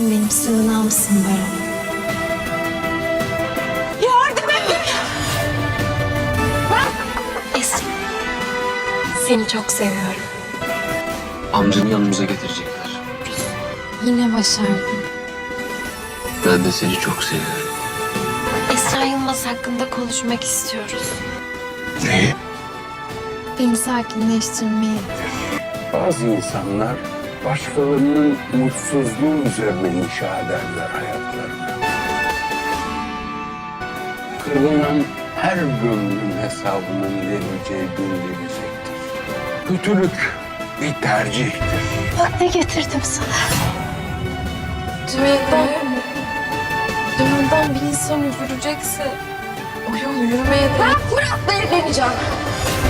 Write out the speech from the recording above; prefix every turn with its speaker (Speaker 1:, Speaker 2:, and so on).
Speaker 1: Sen benim sığınağımsın Baran. Yardım edin! Esra, seni çok seviyorum.
Speaker 2: Amcanı yanımıza getirecekler.
Speaker 1: Yine başardın.
Speaker 2: Ben de seni çok seviyorum.
Speaker 1: Esra Yılmaz hakkında konuşmak istiyoruz.
Speaker 3: Ne?
Speaker 1: Beni sakinleştirmeyi.
Speaker 3: Bazı insanlar başkalarının mutsuzluğu üzerine inşa ederler hayatlarını. Kırılan her gönlün hesabının verileceği gün gelecektir. Kötülük bir tercihtir.
Speaker 1: Bak ne getirdim sana.
Speaker 4: Dünyadan bir insan üzülecekse o yol yürümeye de...
Speaker 1: Ben Fırat'la evleneceğim.